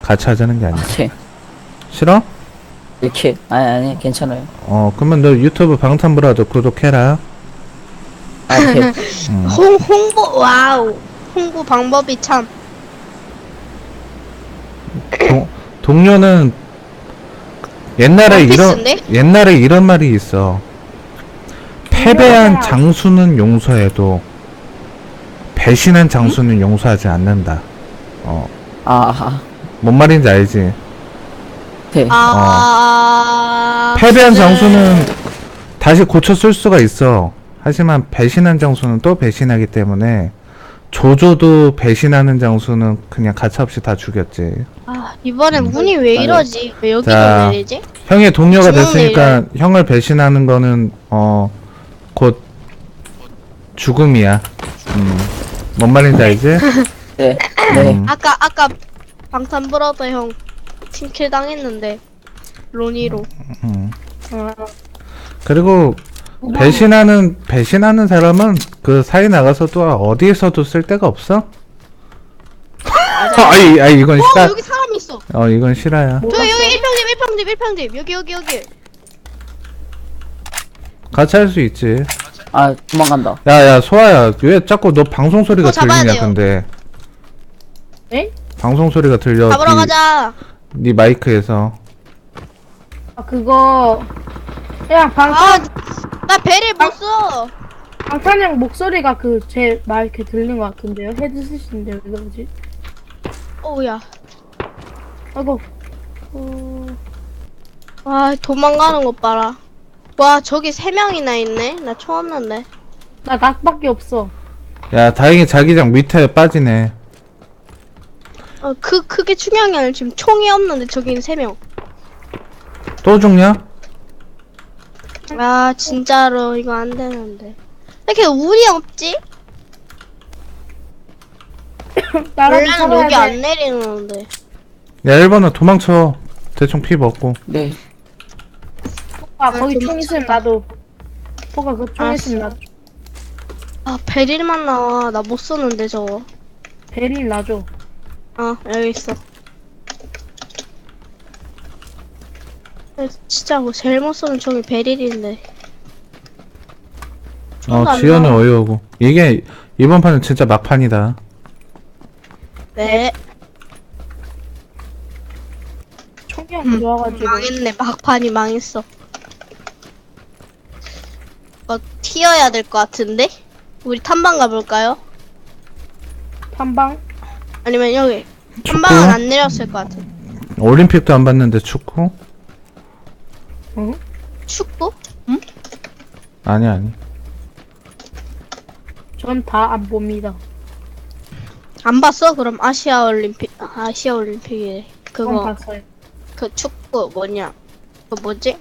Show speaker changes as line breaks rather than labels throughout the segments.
같이 하자는 게 아니야.
네.
싫어?
이렇게 아니 괜찮아요.
그러면 너 유튜브 방탄브라더 구독해라.
아 네.
홍보 와우. 홍보 방법이 참.
동료는
원피스인데?
옛날에 이런 말이 있어. 패배한 장수는 용서해도 배신한 장수는 용서하지 않는다.
아
뭔 말인지 알지?
네.
패배한
네.
장수는 다시 고쳐 쓸 수가 있어. 하지만 배신한 장수는 또 배신하기 때문에 조조도 배신하는 장수는 그냥 가차없이 다 죽였지.
이번엔 운이 왜 이러지? 왜 여기로
자,
내리지?
형의 동료가
주먹
됐으니까 형을 배신하는 거는 곧 죽음이야. 뭔 말인지 알지?
네. 네.
아까 방탄브라더 형 팀킬 당했는데 로니로.
그리고 배신하는 사람은 그 사이 나가서도 어디에서도 쓸 데가 없어? 아이 이건 싫어.
여기 사람 있어.
이건 싫어요.
저 여기 1평집 여기.
같이 할 수 있지.
아 도망간다.
야 소아야, 왜 자꾸 너 방송 소리가
잡아야
들리냐?
돼요.
근데
에?
방송 소리가 들려.
잡으러 가자.
네 마이크에서.
그거 그냥
나 배를 못 써.
방탄형 목소리가 제 말 이렇게 들린 것 같은데요? 헤드셋인데 왜 그러지?
어우야.
아이고.
도망가는 것 봐라. 와, 저기 3명이나 있네. 나 처음 났네.
나 낙밖에 없어.
야, 다행히 자기장 밑에 빠지네.
그게 중요한 게 아니라 지금 총이 없는데 저기는 3명.
또 죽냐?
진짜로 이거 안 되는데. 왜 이렇게 운이 없지?
나라도
원래는
살아야
여기
돼.
안 내리는데.
야, 1번은 도망쳐. 대충 피 먹고.
네.
거기 총 있으면 나도. 포가 그 총 있으면 나도.
베릴만 나와. 나 못 쏘는데 저거.
베릴 놔줘.
여기 있어. 진짜 뭐 제일 못 쏘는 총이 베릴인데. 총도 안
지연은
나와.
어이없고. 이게 이번 판은 진짜 막판이다.
네.
총이 안 좋아가지고.
망했네. 막판이 망했어. 튀어야 될 것 같은데? 우리 탐방 가볼까요?
탐방?
아니면 여기
축구?
탐방은 안 내렸을 것 같아.
올림픽도 안 봤는데 축구?
응?
축구?
아니.
전 다 안 봅니다.
안 봤어? 그럼 아시아올림픽이래.
그건
그거
봤어요.
그 축구 뭐냐? 그 뭐지?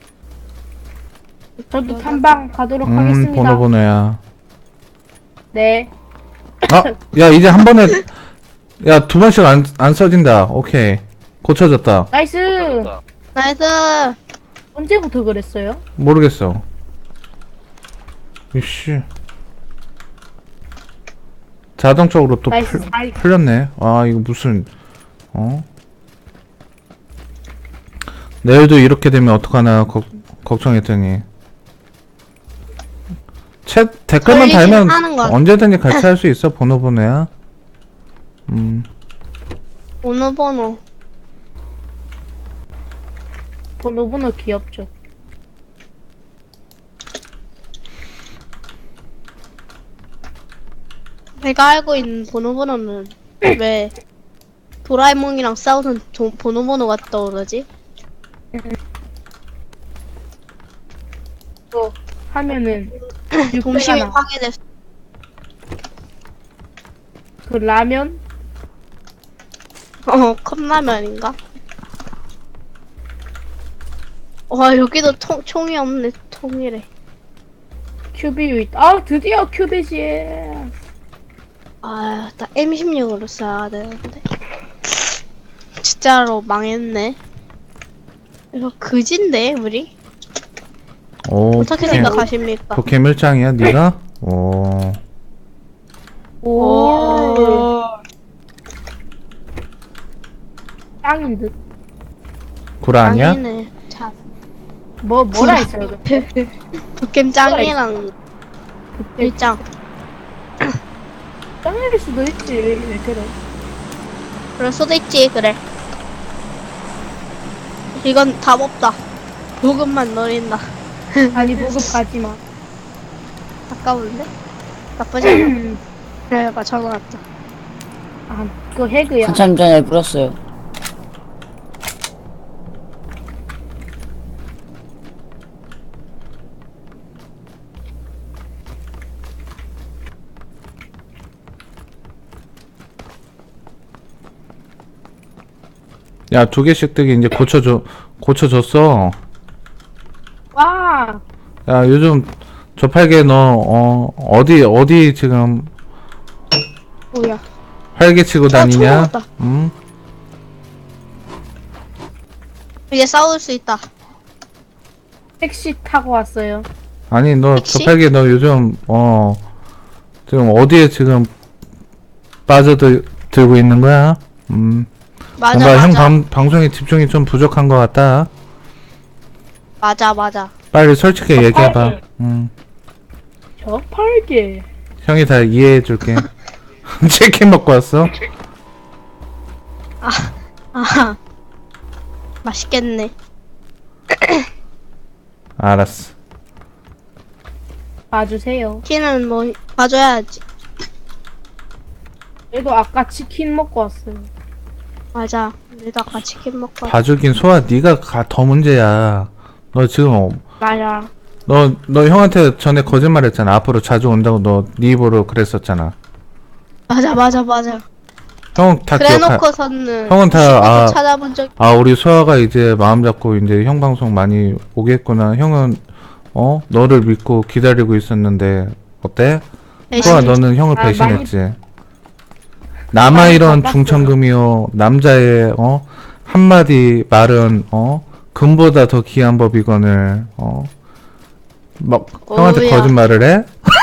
저도 탐방 가도록 하겠습니다.
번호야.
네.
야, 이제 한 번에, 야, 2번씩 안 써진다. 오케이. 고쳐졌다.
나이스!
나이스.
언제부터 그랬어요?
모르겠어. 이씨. 자동적으로 또
나이스.
풀렸네. 이거 무슨, 내일도 이렇게 되면 어떡하나 걱정했더니. 댓글만
걸리긴
달면
하는 것 같아.
언제든지 같이 할 수 있어. 번호야.
번호.
번호 귀엽죠.
내가 알고 있는 번호는 왜 도라에몽이랑 싸우는 번호가 떠오르지?
또 하면은
동심이
육배가 나.
파괴됐어.
그 라면?
컵라면인가? 와, 여기도 총이 없네. 통이래.
큐비유 있다. 드디어 큐비지.
나 M16으로 써야 되는데. 진짜로 망했네. 이거 그진데, 우리? 어떻게 생각하십니까?
그 개멸장이야, 네가? 오.
오. 짱인 듯.
구라 아니야?
짱이네. 자,
뭐라 했어요?
도캠 짱이랑 일짱.
짱일 수도 있지. 왜 그래?
그럴 수도 있지, 그래. 이건 답 없다. 보급만 노린다.
아니 보급 가지마.
아까운데? 나쁘지 않아. 그래, 맞춰놨다.
아 그거 해그야.
한참 전에 불었어요.
야, 2개씩 뜨기 이제 고쳐줬어.
와.
야, 요즘 저팔계 너, 어디 지금
뭐야?
활개 치고
총
다니냐?
먹었다.
응?
이제 싸울 수 있다.
택시 타고 왔어요.
아니, 너
택시?
저팔계 너 요즘, 지금 어디에 지금 빠져들고 있는 거야?
맞아,
뭔가 형
맞아.
방송에 집중이 좀 부족한 것 같다.
맞아.
빨리 솔직히 얘기해봐.
저팔계. 저 팔게.
형이 다 이해해줄게. 치킨 먹고 왔어?
아, 맛있겠네.
알았어.
봐주세요.
치킨은 뭐, 봐줘야지.
얘도 아까 치킨 먹고 왔어요.
맞아. 우리도 아까 치킨 먹고.
봐주긴 소아, 네가 더 문제야. 너 지금
나야.
너 형한테 전에 거짓말했잖아. 앞으로 자주 온다고 너 네 입으로 그랬었잖아.
맞아.
형 다 기억하.
그래놓고서는
형은 다,
친구도
아.
찾아본 적.
우리 소아가 이제 마음 잡고 이제 형 방송 많이 오겠구나. 형은 너를 믿고 기다리고 있었는데 어때? 소아, 너는 형을
아,
배신했지. 남아 이런
바빴어요.
중천금이요. 남자의 한마디 말은 금보다 더 귀한 법이거늘. 막 형한테
오우야.
거짓말을 해?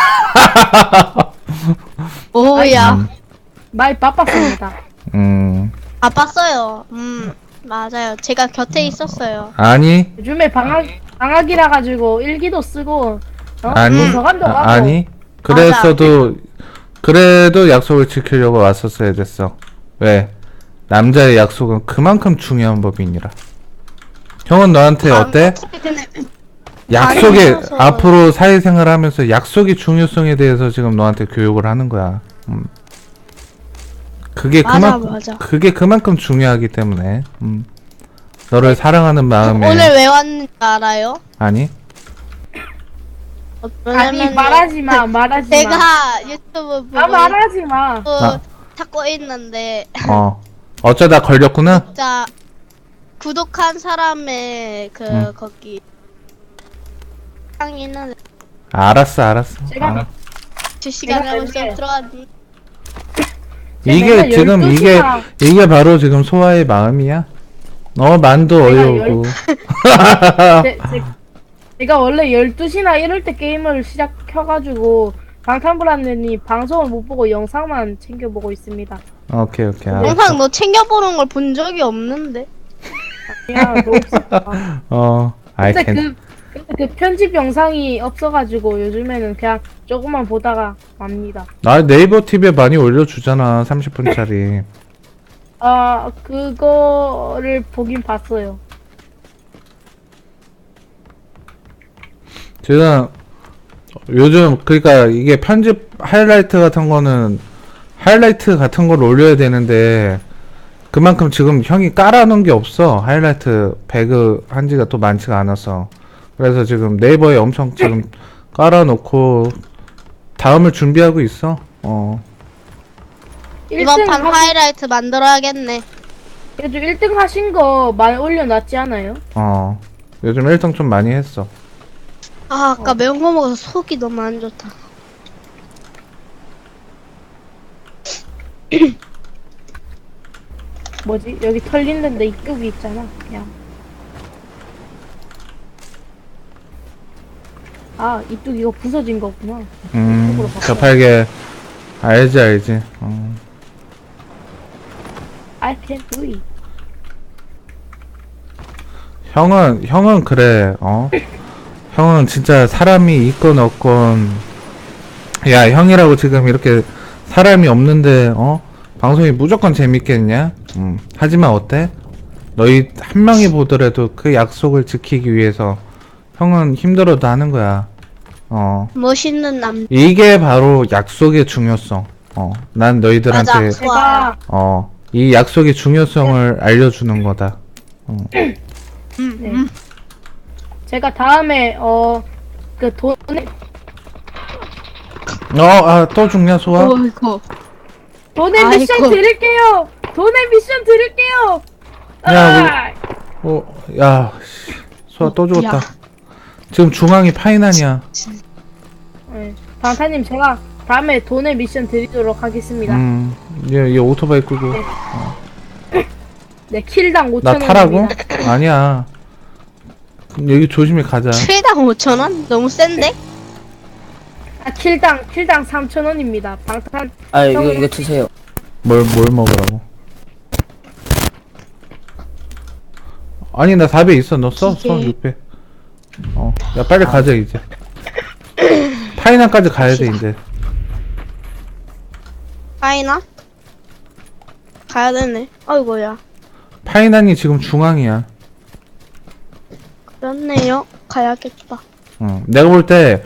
오야.
많이 바빴습니다.
바빴어요. 맞아요. 제가 곁에 있었어요.
아니
요즘에 방학이라 가지고 일기도 쓰고
아니
도서관도 가고.
아니 그랬어도 그래도 약속을 지키려고 왔었어야 됐어. 왜? 남자의 약속은 그만큼 중요한 법이니라. 형은 너한테 어때?
근데
약속에
아니어서.
앞으로 사회생활 하면서 약속의 중요성에 대해서 지금 너한테 교육을 하는 거야. 그게
맞아.
그게 그만큼 중요하기 때문에 너를 사랑하는 마음에
오늘 왜 왔는지 알아요?
아니
아니
왜냐면은
말하지 마. 말하지 마.
제가 유튜브 보고
아 말하지 마.
아.
찾고 있는데
어쩌다 걸렸구나.
진짜 구독한 사람의 거기 상이는
알았어.
제가-
실시간에
제가
벌써
알게.
들어왔니?
이게
내가
지금
12시간
이게 바로 지금 소아의 마음이야. 만도
내가
어이없고.
제가 원래 12시나 이럴 때 게임을 시작해가지고 방탄불안님이 방송을 못 보고 영상만 챙겨보고 있습니다.
오케이. 알았어.
영상 너 챙겨보는 걸 본 적이 없는데.
야, 너 없었다.
I
근데
can.
그 편집 영상이 없어가지고 요즘에는 그냥 조금만 보다가 맙니다.
나 네이버 TV에 많이 올려주잖아. 30분짜리.
아 그거를 보긴 봤어요.
지금 요즘 그러니까 이게 편집 하이라이트 같은 걸 올려야 되는데 그만큼 지금 형이 깔아놓은 게 없어. 하이라이트 배그 한 지가 또 많지가 않아서. 그래서 지금 네이버에 엄청 지금 깔아놓고 다음을 준비하고 있어.
이번 판 하이라이트 만들어야겠네.
그래도 1등 하신 거 많이 올려놨지 않아요?
요즘 1등 좀 많이 했어.
아까 매운 거 먹어서 속이 너무 안 좋다.
뭐지? 여기 털린 데인데 이쪽이 있잖아. 그냥. 아 이쪽 이거 부서진 거구나. 이쪽으로 바꿔.
저팔계 알지.
I can do it.
형은 그래, 형은 진짜 사람이 있건 없건, 야, 형이라고 지금 이렇게 사람이 없는데, 방송이 무조건 재밌겠냐? 하지만 어때? 너희 한 명이 보더라도 그 약속을 지키기 위해서 형은 힘들어도 하는 거야.
멋있는 남.
이게 바로 약속의 중요성. 난 너희들한테,
맞아.
제가
이 약속의 중요성을 알려주는 거다.
제가 다음에 그 돈에
또 죽냐, 소아?
어이구.
돈의
아이고.
미션 드릴게요. 돈의 미션 드릴게요.
야, 야, 씨, 소아 또 죽었다.
야.
지금 중앙이 파이난이야.
네. 방탄님 제가 다음에 돈의 미션 드리도록 하겠습니다.
얘 오토바이 끌고.
네, 킬당 5,000원.
나 타라고? 아니야. 여기 조심히 가자.
최당 5,000원? 너무 센데?
아, 킬당 3,000원입니다. 방탄.
아, 이거 드세요.
뭘 먹으라고? 아니, 나 4배 있어. 너 써? 써,
기계.
6배. 야, 빨리 가자, 이제. 파이난까지 가야 돼, 이제.
가이나? 가야 되네. 아이고야.
파이난이 지금 중앙이야.
그렇네요. 가야겠다.
내가 볼 때,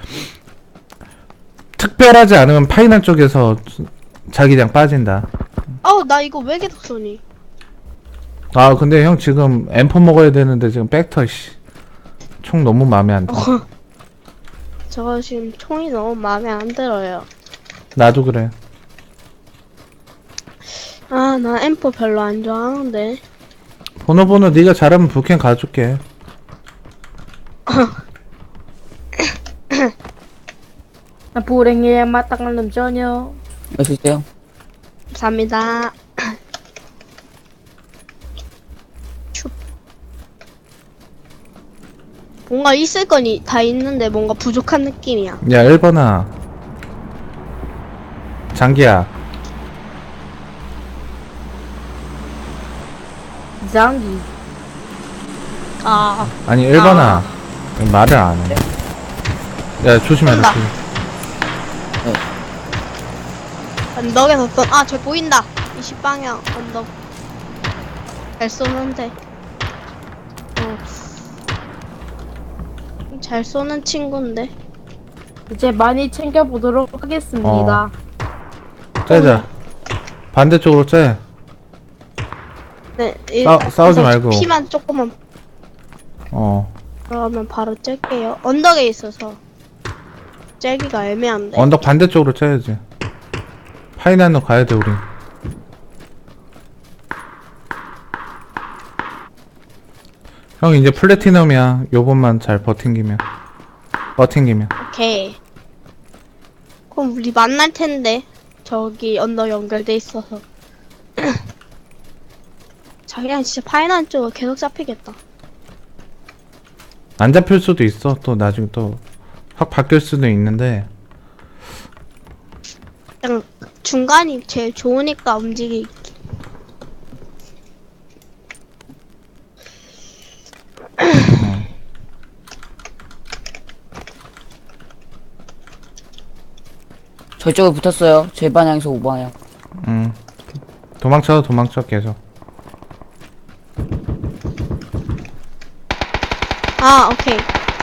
특별하지 않으면 파이난 쪽에서 자기장 빠진다.
나 이거 왜 계속 쏘니?
아, 근데 형 지금 M4 먹어야 되는데 지금 백터, 씨. 총 너무 마음에 안 들어.
저거 지금 총이 너무 마음에 안 들어요.
나도 그래.
나 M4 별로 안 좋아하는데.
번호 네가 잘하면 북캠 가줄게.
불행에 마땅한 전혀.
맛있어요?
감사합니다. 춥. 뭔가 있을 거니 다 있는데 뭔가 부족한 느낌이야.
야, 1번아. 장기야.
장기.
아니, 1번아. 말을 안 해. 야, 조심해라.
쏜다. 언덕에서 저 보인다. 20방향 언덕. 잘 쏘는데. 잘 쏘는 친구인데.
이제 많이 챙겨보도록 하겠습니다.
째자. 반대쪽으로 째.
네.
싸우지 말고.
피만 조금만. 그러면 바로 짤게요. 언덕에 있어서 짤기가 애매한데.
언덕 반대쪽으로 째야지. 파이난로 가야 돼, 우리. 형, 이제 플래티넘이야. 요번만 잘 버팅기면.
오케이. 그럼 우리 만날 텐데. 저기 언덕 연결돼 있어서. 자기랑 진짜 파이난 쪽으로 계속 잡히겠다.
안 잡힐 수도 있어. 또 나중에 또 확 바뀔 수도 있는데.
그냥 중간이 제일 좋으니까 움직이기.
저쪽에 붙었어요. 제 방향에서 5방향.
도망쳐 계속.
오케이.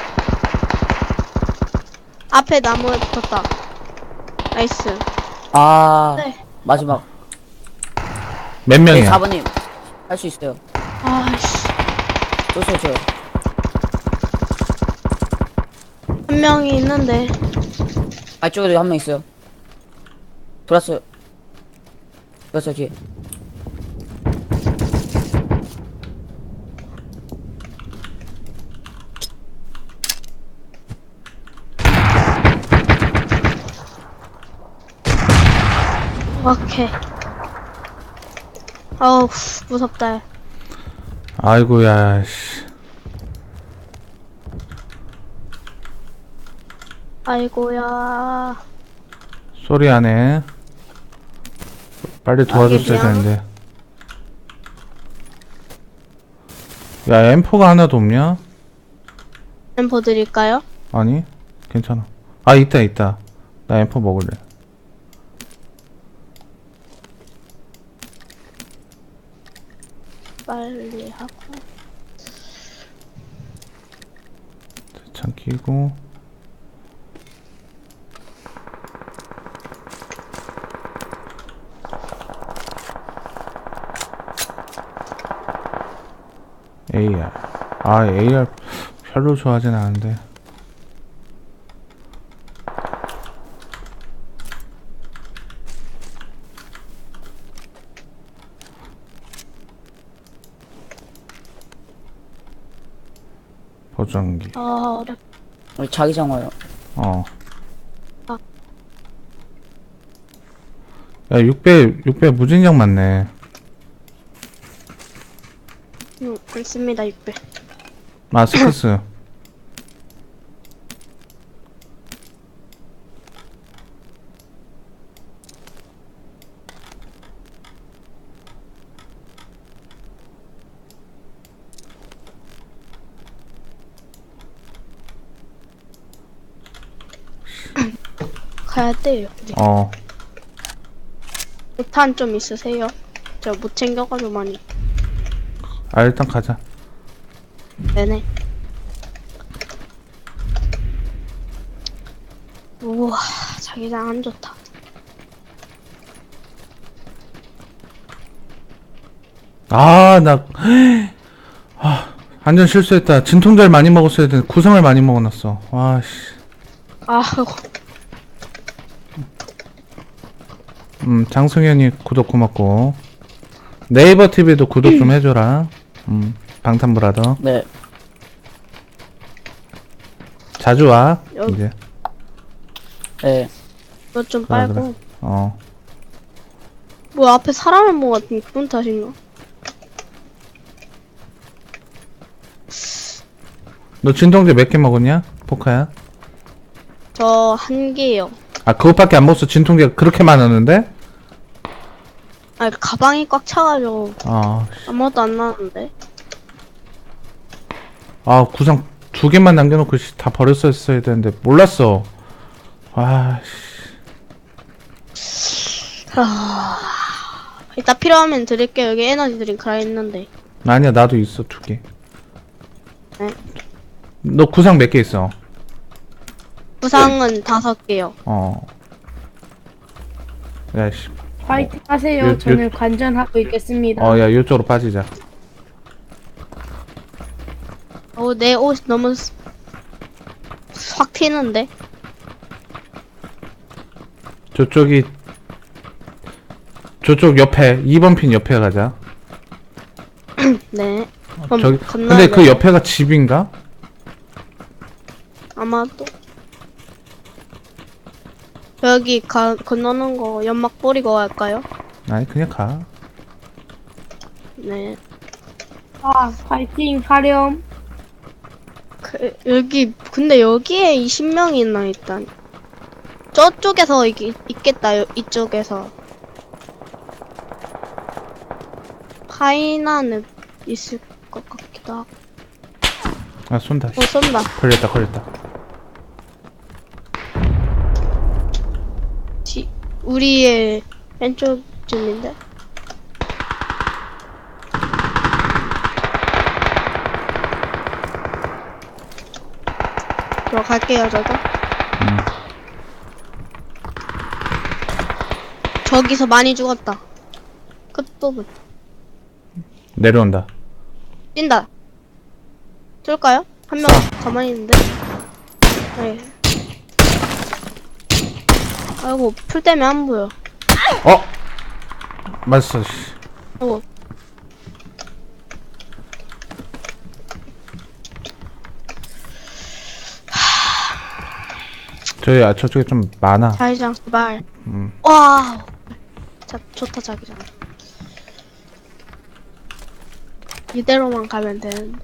앞에 나무에 붙었다. 나이스. 네.
마지막.
몇
네,
명이야?
4번님. 할 수 있어요.
아씨.
또 쏘죠.
한 명이 있는데.
쪽에도 한 명 있어요. 돌았어요. 뒤에.
오케이. 어우, 무섭다.
아이고야, 씨.
아이고야.
소리 안 해. 빨리 도와줬어야
미안.
되는데. 야, M4가 하나도 없냐?
엠포 드릴까요?
아니, 괜찮아. 아, 있다. 나 M4 먹을래.
빨리 하고.
대창 끼고. AR. 아, AR 별로 좋아하진 않은데. 보정기.
아, 어렵.
우리 자기장 와요.
어.
아.
야, 6배 무진장 맞네.
많습니다, 600.
마스크스.
가야 돼요. 네.
어.
못한 좀 있으세요? 저 못 챙겨가지고 많이.
아, 일단 가자.
네네. 우와, 자기장 안 좋다.
아, 완전 실수했다. 진통제를 많이 먹었어야 되는데 구성을 많이 먹어놨어. 와, 씨.
아,
장승현이 구독 고맙고. 네이버 TV도 구독 좀 해줘라. 방탄브라더.
네.
자주 와,
여기.
이제.
네.
이거 좀
그래,
빨고.
그래. 어.
뭐 앞에 사람을 먹었더니 그분 탓인가?
너 진통제 몇 개 먹었냐? 포카야?
저 한 개요.
아, 그것밖에 안 먹었어. 진통제가 그렇게 많았는데?
아, 가방이 꽉 차가지고
아,
아무것도 안 나는데.
아, 구상 2개만 남겨놓고 다 버렸었어야 되는데 몰랐어. 아, 씨.
이따 필요하면 드릴게요. 여기 에너지 드링크가 있는데.
아니야, 나도 있어 2개.
네.
너 구상 몇 개 있어?
부상은 5개요.
어. 야, 씨.
파이팅 하세요.
요-
저는 관전하고 있겠습니다.
야, 이쪽으로 빠지자.
내 옷 너무 확 튀는데.
저쪽 옆에 2번 핀 옆에 가자.
네. 그럼
저기
건너야
근데 그
돼요.
옆에가 집인가?
아마도. 여기 건너는 거 연막 뿌리고 갈까요?
아니, 그냥 가.
네.
아, 파이팅 하렴.
여기 근데 여기에 20명이나 있다니. 저쪽에서 있겠다. 이쪽에서. 하이나는 있을 것 같기도 하고.
아, 쏜다. 씨.
쏜다.
걸렸다.
우리의 왼쪽쯤인데. 들어갈게요, 저도. 저기서 많이 죽었다. 끝부분.
내려온다.
뛴다. 쏠까요? 한 명 가만히 있는데. 네. 아이고, 풀 때문에 안 보여.
어? 맞았어, 씨.
아이고.
저쪽에 좀 많아.
자기장 제발.
음.
와. 자, 좋다 자기장. 이대로만 가면 되는데.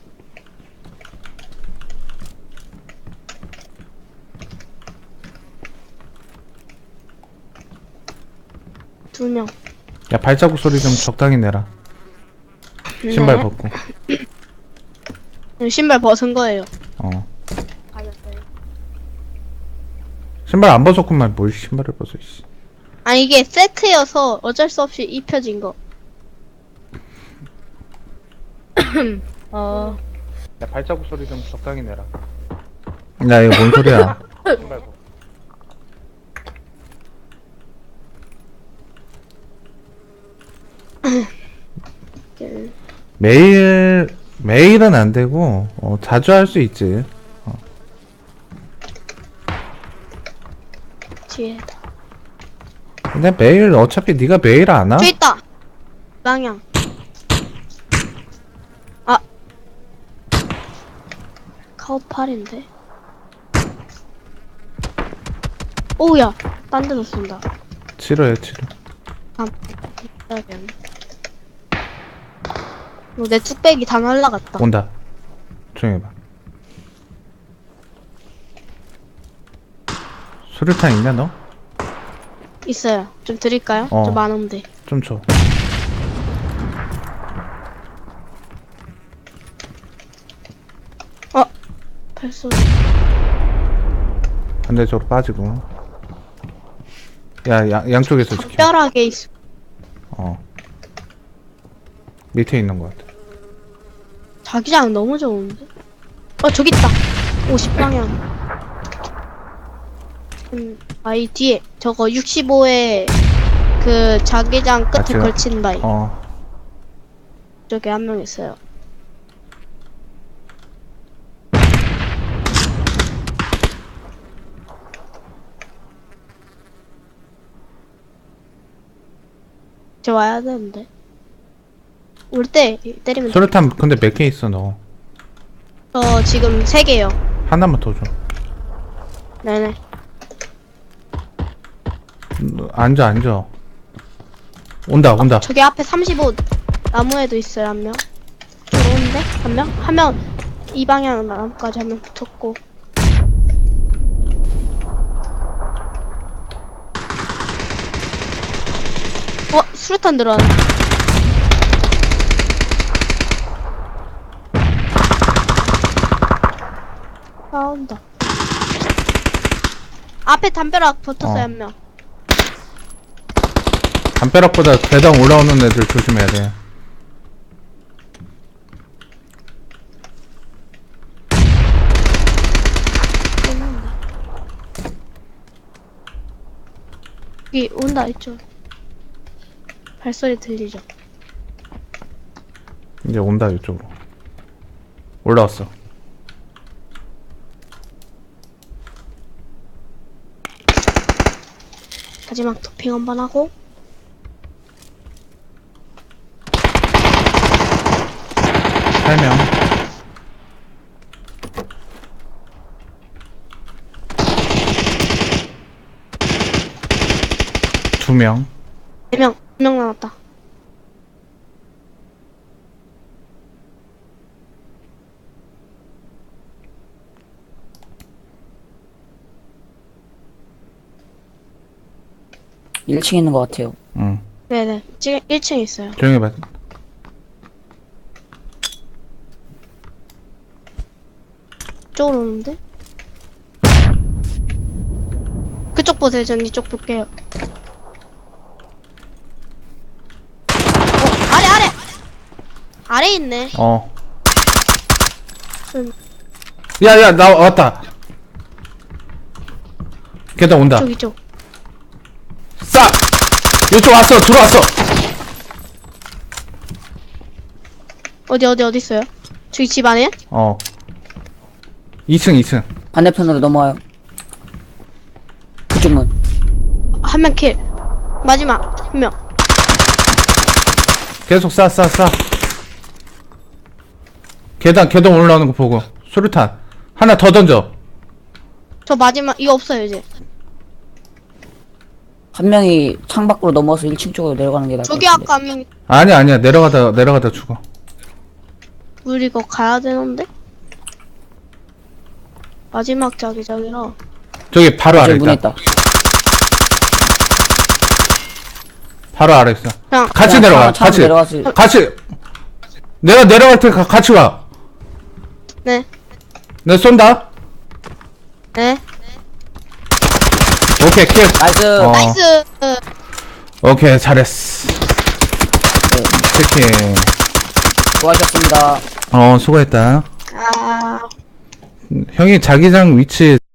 두 명.
야, 발자국 소리 좀 적당히 내라. 신발
네.
벗고.
신발 벗은 거예요.
어. 신발 안 벗었구만. 뭘 신발을 벗어, 씨.
아 이게 세트여서 어쩔 수 없이 입혀진 거.
야, 발자국 소리 좀 적당히 내라. 야, 이거 뭔 소리야? 신발 벗. 매일은 안 되고, 자주 할 수 있지.
뒤에다.
근데 매일, 어차피 네가 매일 안 와?
저 있다. 방향. 아. 카우팔인데. 오우야. 딴 데서 쏜다.
치료해, 치료.
해야겠네. 내 뚝배기 다 날라갔다.
온다. 조용히 해봐. 수류탄 있냐, 너?
있어요. 좀 드릴까요?
어.
좀 많은데.
좀 줘.
발소리.
반대쪽으로 빠지고. 야, 양쪽에서 지켜.
뼈락에 있어.
밑에 있는 것 같아.
자기장 너무 좋은데? 저기 있다. 50방향. 아이 뒤에 저거 65에 그 자기장 끝에
제가-
걸친 바위.
어.
저기 한 명 있어요. 저 와야 되는데. 올 때 때리면 돼.
수류탄 근데 몇 개 있어, 너?
저 지금 3개요.
하나만 더 줘.
네네.
앉아. 온다.
저기 앞에 35 나무에도 있어요, 한 명. 들어오는데? 한 명? 한 명, 이 방향 나무까지 한 명 붙었고. 수류탄 들어왔네. 싸운다. 앞에 담벼락 붙었어요, 한 명.
담벼락보다 계단 올라오는 애들 조심해야 돼.
여기 온다, 이쪽. 발소리 들리죠?
이제 온다, 이쪽으로. 올라왔어.
마지막 도핑 한번 하고.
세 명. 두 명.
4명, 2명 남았다.
일 1층에 있는 것 같아요.
응.
네네. 지금 1층에 있어요.
조용히 해봐.
이쪽으로 오는데? 그쪽 보세요. 전 이쪽 볼게요. 아래! 아래 있네.
야, 나 왔다. 계단 온다.
이쪽.
싸! 이쪽 왔어, 들어왔어.
어디 있어요? 저기 집 안에?
2층.
반대편으로 넘어와요. 그쪽 문.
한 명 킬. 마지막 한 명.
계속 싸. 계단 올라오는 거 보고. 수류탄. 하나 더 던져.
저 마지막 이거 없어요 이제.
한 명이 창 밖으로 넘어와서 1층 쪽으로 내려가는 게 나을 것
저기
같은데.
아까 한 명.
아니야. 내려가다 죽어.
우리 이거 가야 되는데? 마지막 자기장이라.
저기 바로 아래
저기 문에
있다.
있다.
바로 아래 있어.
그냥
같이
그냥
내려가.
차로 내려가서
같이. 내가 내려갈 테니까 같이 와.
네.
내 쏜다.
네.
오케이 킬.
나이스.
나이스.
오케이 잘했어.
네,
치킨.
수고하셨습니다.
수고했다.
아.
형이 자기장 위치